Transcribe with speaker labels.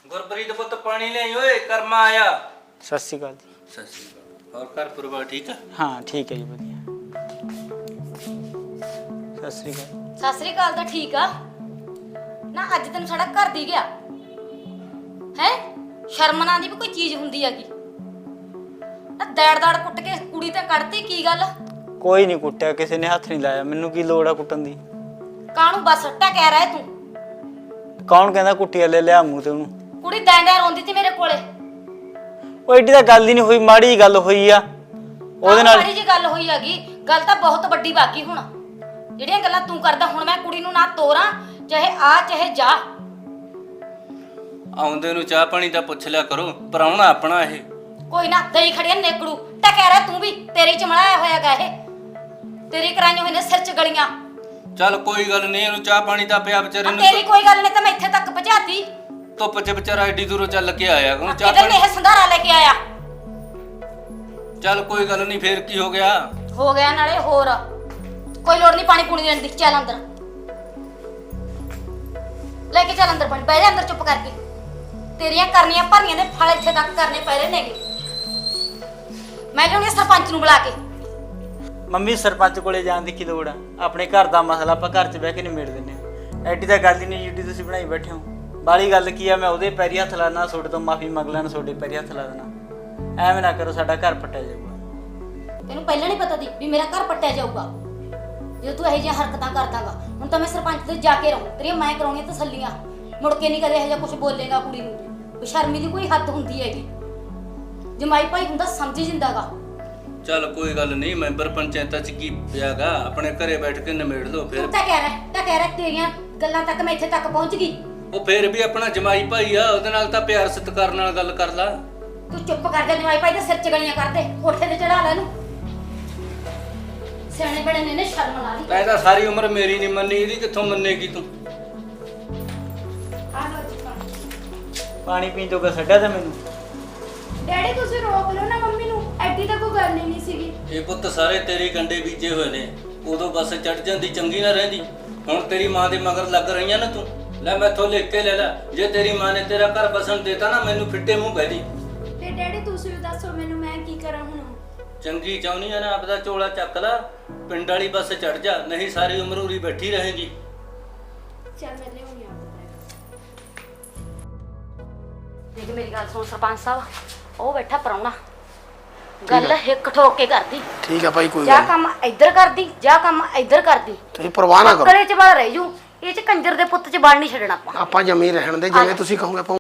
Speaker 1: ਗੁਰਪ੍ਰੀਤ ਪੁੱਤ ਪਾਣੀ ਲਿਆਈ ਓਏ ਕਰਮਾ ਆਇਆ।
Speaker 2: ਸਤਿ ਸ਼੍ਰੀ ਅਕਾਲ ਜੀ।
Speaker 1: ਸਤਿ ਸ਼੍ਰੀ ਅਕਾਲ। ਹੋਰ ਘਰ ਪਰਿਵਾਰ ਠੀਕ ਆ?
Speaker 2: ਹਾਂ ਠੀਕ ਹੈ ਜੀ ਵਧੀਆ। ਸਤਿ ਸ਼੍ਰੀ ਅਕਾਲ।
Speaker 3: ਸਤਿ ਸ੍ਰੀ ਅਕਾਲ ਤਾਂ ਠੀਕ ਆ ਨਾ। ਅੱਜ ਤੈਨੂੰ ਸਾਡਾ ਘਰ ਦੀ ਗਿਆ ਹੈ। ਸ਼ਰਮ ਨਾ ਦੀ ਵੀ ਕੋਈ ਚੀਜ਼ ਹੁੰਦੀ ਹੈਗੀ ਨਾ। ਦੜ ਕੁੱਟ ਕੇ ਕੁੜੀ ਤੇ ਕੱਢਤੀ ਕੀ ਗੱਲ?
Speaker 2: ਕੋਈ ਨਹੀਂ ਕੁੱਟਿਆ, ਕਿਸੇ ਨੇ ਹੱਥ ਨਹੀਂ ਲਾਇਆ। ਮੈਨੂੰ ਕੀ ਲੋੜ ਆ ਕੁੱਟਣ ਦੀ?
Speaker 3: ਕਾਹਨੂੰ ਬਸ ਸੱਟਾ ਕਹਿ ਰਿਹਾ ਤੂੰ?
Speaker 2: ਕੌਣ ਕਹਿੰਦਾ ਕੁੱਟਿਆ? ਲੈ ਲਿਆ ਮੂੰਹ ਤੇ ਉਹਨੂੰ।
Speaker 3: ਕੁੜੀ ਦੈਂਦਿਆਂ ਰੋਂਦੀ ਤੀ ਮੇਰੇ ਕੋਲੇ।
Speaker 2: ਉਹ ਏਡੀ ਤਾਂ ਗੱਲ ਹੀ ਨਹੀਂ ਹੋਈ, ਮਾੜੀ ਜਿਹੀ ਗੱਲ ਹੋਈ ਆ ਉਹਦੇ ਨਾਲ।
Speaker 3: ਮਾੜੀ ਜੀ ਗੱਲ ਹੋਈ ਹੈਗੀ, ਗੱਲ ਤਾਂ ਬਹੁਤ ਵੱਡੀ ਬਾਕੀ। ਹੁਣ ਜਿਹੜੀਆਂ ਗੱਲਾਂ ਤੂੰ ਕਰਦਾ, ਹੁਣ ਮੈਂ ਕੁੜੀ ਨੂੰ ਨਾ ਤੋਰਾਂ, ਚਾਹੇ ਆ ਚਾਹੇ ਜਾ।
Speaker 1: ਆਉਂਦੇ ਨੂੰ ਚਾਹ ਪਾਣੀ ਦਾ ਪੁੱਛ ਲਿਆ ਕਰੋ, ਪਰਾਉਣਾ ਆਪਣਾ ਇਹ।
Speaker 3: ਕੋਈ ਨਾ ਦਈ ਖੜੀਆਂ ਨੇਕੜੂ ਤਾਂ ਕਹਿ ਰਿਹਾ ਤੂੰ ਵੀ। ਤੇਰੀ ਚ ਮਲਾਇਆ ਹੋਇਆਗਾ ਇਹ, ਤੇਰੀ ਕਰਾਈਆਂ ਹੋਏ ਨੇ ਸਿਰ ਚ ਗਲੀਆਂ।
Speaker 1: ਚੱਲ ਕੋਈ ਗੱਲ ਨਹੀਂ, ਇਹਨੂੰ ਚਾਹ ਪਾਣੀ ਦਾ ਪਿਆ ਵਿਚਾਰੇ ਨੂੰ।
Speaker 3: ਤੇਰੀ ਕੋਈ ਗੱਲ ਨਹੀਂ ਤਾਂ ਮੈਂ ਇੱਥੇ ਤੱਕ ਪਹੁੰਚਾਤੀ।
Speaker 1: ਧੁੱਪ 'ਚ ਵਿਚਾਰਾ ਏਡੀ ਦੂਰੋਂ ਚੱਲ ਕੇ ਆਇਆ। ਉਹਨੂੰ ਚਾਹ
Speaker 3: ਕਿਧਰ ਨੇ ਇਹ ਸੰਧਾਰਾ ਲੈ ਕੇ ਆਇਆ?
Speaker 1: ਚੱਲ ਕੋਈ ਗੱਲ ਨਹੀਂ, ਫੇਰ ਕੀ ਹੋ ਗਿਆ?
Speaker 3: ਹੋ ਗਿਆ ਨਾਲੇ ਹੋਰ ਕੋਈ ਲੋੜ ਨਹੀਂ ਪਾਣੀ ਪੂਣੀ ਦੇਣ ਦੀ। ਚੱਲ ਅੰਦਰ ਲੈ ਕੇ ਚੱਲ ਅੰਦਰ ਪਾਣੀ। ਬਹਿ ਜਾ ਅੰਦਰ ਚੁੱਪ ਕਰਕੇ। ਤੇਰੀਆਂ ਕਰਨੀਆਂ ਭਰਨੀਆਂ ਦੇ ਫਲ ਇੱਥੇ ਤੱਕ ਕਰਨੇ ਪੈ ਰਹੇ ਨੇਗੇ। ਮੈਂ ਲਿਆਉਣੀ ਸਰਪੰਚ ਨੂੰ ਬੁਲਾ ਕੇ।
Speaker 2: ਮੰਮੀ ਸਰਪੰਚ ਕੋਲੇ ਜਾਣ ਦੀ ਕੀ ਲੋੜ ਆ? ਆਪਣੇ ਘਰ ਦਾ ਮਸਲਾ ਆਪਾਂ ਘਰ 'ਚ ਬਹਿ ਕੇ ਨਿਬੇੜ ਦਿੰਦੇ ਆ। ਐਡੀ ਤਾਂ ਗੱਲ ਹੀ ਨਹੀਂ ਜਿੱਡੀ ਤੁਸੀਂ ਬਣਾਈ ਬੈਠੇ ਹੋ। ਬਾਲੀ ਗੱਲ ਕੀ ਆ? ਮੈਂ ਉਹਦੇ ਪੈਰੀ ਹੱਥ ਲਾਣਾ, ਤੁਹਾਡੇ ਤੋਂ ਮਾਫੀ ਮੰਗ ਲੈਣਾ, ਤੁਹਾਡੇ ਪੈਰੀ ਹੱਥ ਲਾ ਦੇਣਾ। ਐਵੇਂ ਨਾ ਕਰੋ, ਸਾਡਾ ਘਰ ਪੱਟਿਆ ਜਾਊਗਾ।
Speaker 3: ਤੈਨੂੰ ਪਹਿਲਾਂ ਨਹੀਂ ਪਤਾ ਸੀ ਵੀ ਮੇਰਾ ਘਰ ਪੱਟਿਆ ਜਾਊਗਾ ਜੇ ਤੂੰ ਇਹੋ ਜਿਹੀਆਂ ਹਰਕਤਾਂ ਕਰਦਾਗਾ। ਹੁਣ ਤਾਂ ਮੈਂ ਸਰਪੰਚ ਤੇ ਜਾ ਕੇ ਰਹੂੰ। ਤੇਰੀਆਂ ਮੈਂ ਕਰਾਉਣੀਆਂ ਤਸੱਲੀਆਂ। ਮੁੜ ਕੇ ਨਹੀਂ ਕਦੇ ਇਹੋ ਜਿਹਾ ਕੁਝ ਬੋਲੇਗਾ ਕੁੜੀ ਨੂੰ। ਬੇਸ਼ਰਮੀ ਦੀ ਕੋਈ ਹੱਦ ਹੁੰਦੀ ਹੈਗੀ। ਜਮਾਈ ਭਾਈ ਹੁੰਦਾ ਸਮਝ ਜਿੰਦਾਗਾ।
Speaker 1: ਚੱਲ ਕੋਈ ਗੱਲ ਨਹੀਂ, ਮੈਂਬਰ ਪੰਚਾਇਤਾਂ 'ਚ ਕੀ ਪਿਆਗਾ, ਆਪਣੇ ਘਰੇ ਬੈਠ ਕੇ ਨਿਬੇੜ ਲਓ ਫਿਰ।
Speaker 3: ਤੂੰ ਤਾਂ ਕਹਿ ਰਿਹਾ ਤੇਰੀਆਂ ਗੱਲਾਂ ਤੱਕ ਮੈਂ ਇੱਥੇ ਤੱਕ ਪਹੁੰਚ ਗਈ।
Speaker 1: ਉਹ ਫੇਰ ਵੀ ਆਪਣਾ ਜਮਾਈ ਭਾਈ ਆ, ਉਹਦੇ ਨਾਲ ਤਾਂ ਪਿਆਰ ਸਤਿਕਾਰ ਨਾਲ ਗੱਲ ਕਰ ਲਾ।
Speaker 3: ਤੂੰ ਚੁੱਪ ਕਰ ਜਾ। ਜਮਾਈ ਭਾਈ ਦੇ ਸਿਰ ਚ ਗਲੀਆਂ ਕਰ ਦੇ, ਕੋਠੇ ਤੇ ਚੜਾ ਲੈ ਇਹਨੂੰ। ਸਿਆਣੇ ਬੜੇ ਨੇ ਸ਼ਰਮ ਲਾ ਲਈ।
Speaker 1: ਤੈਂ ਤਾਂ ਸਾਰੀ ਉਮਰ ਮੇਰੀ ਨਹੀਂ ਮੰਨੀ, ਇਹਦੀ ਕਿੱਥੋਂ ਮੰਨੇਗੀ ਤੂੰ?
Speaker 3: ਆ ਲੋ ਜੀ ਪਾਣੀ।
Speaker 2: ਪਾਣੀ ਪੀਣ ਜੋਗਾ ਛੱਡਿਆ ਤਾਂ ਮੈਨੂੰ।
Speaker 4: ਡੈਡੀ ਤੁਸੀਂ ਰੋਕ ਲਓ ਨਾ ਮੰਮੀ ਨੂੰ, ਐਡੀ ਤਾਂ ਕੋਈ ਗੱਲ ਹੀ ਨਹੀਂ ਸੀਗੀ।
Speaker 1: ਇਹ ਪੁੱਤ ਸਾਰੇ ਤੇਰੇ ਗੰਡੇ ਬੀਜੇ ਹੋਏ ਨੇ। ਉਦੋਂ ਬਸ ਚੜ ਜਾਂਦੀ ਚੰਗੀ ਨਾ ਰਹਿੰਦੀ। ਹੁਣ ਤੇਰੀ ਮਾਂ ਦੇ ਮਗਰ ਲੱਗ ਰਹੀਆਂ ਨਾ ਤੂੰ। ਲੈ ਮੈਥੋਂ ਲਿਖ ਕੇ ਲੈ ਲੈ, ਜੇ ਤੇਰੀ ਮਾਂ ਨੇ ਤੇਰਾ ਘਰ ਬਸਣ ਦੇਤਾ ਨਾ, ਮੈਨੂੰ ਫਿੱਟੇ ਮੂੰਹ ਕਹਿ ਦੀ।
Speaker 4: ਤੇ ਡੈਡੀ ਤੁਸੀਂ ਵੀ ਦੱਸੋ ਮੈਨੂੰ, ਮੈਂ ਕੀ ਕਰਾਂ ਹੁਣ?
Speaker 1: ਚੰਗੀ ਚਾਹੁੰਦੀ ਆ ਨਾ, ਆਪਦਾ ਝੋਲਾ ਚੱਕ ਲੈ, ਪਿੰਡ ਵਾਲੀ ਬੱਸ ਚੜ ਜਾ, ਨਹੀਂ ਸਾਰੀ ਉਮਰ ਉਰੀ ਬੈਠੀ ਰਹੇਗੀ।
Speaker 4: ਚੱਲ ਮੈਂ ਲਿਆਉਣੀ ਆ।
Speaker 3: ਦੇਖ ਮੇਰੀ ਗੱਲ ਸੁਣ ਸਰਪੰਚ ਸਾਹਿਬ, ਉਹ ਬੈਠਾ ਪਰਾਉਣਾ। ਗੱਲ ਹਿੱਕ ਠੋਕ ਕੇ ਕਰਦੀ।
Speaker 5: ਠੀਕ ਆ ਭਾਈ, ਕੋਈ
Speaker 3: ਜਾਂ
Speaker 5: ਗੱਲ
Speaker 3: ਕੰਮ ਇੱਧਰ ਕਰਦੀ ਜਾਂ ਕੰਮ ਇੱਧਰ ਕਰਦੀ।
Speaker 5: ਤੁਸੀਂ ਪਰਵਾਹ ਨਾ ਕਰੋ।
Speaker 3: ਕਰੇ ਚ ਬਲ ਰਹਿ ਜੂ। ਇਹ ਚ ਕੰਜਰ ਦੇ ਪੁੱਤ ਚ ਬਲ ਨਹੀਂ ਛੱਡਣਾ ਆਪਾਂ।
Speaker 5: ਆਪਾਂ ਜਮੀ ਰਹਿਣ ਦੇ, ਜਿਵੇਂ ਤੁਸੀਂ ਕਹੋਗੇ ਆਪਾਂ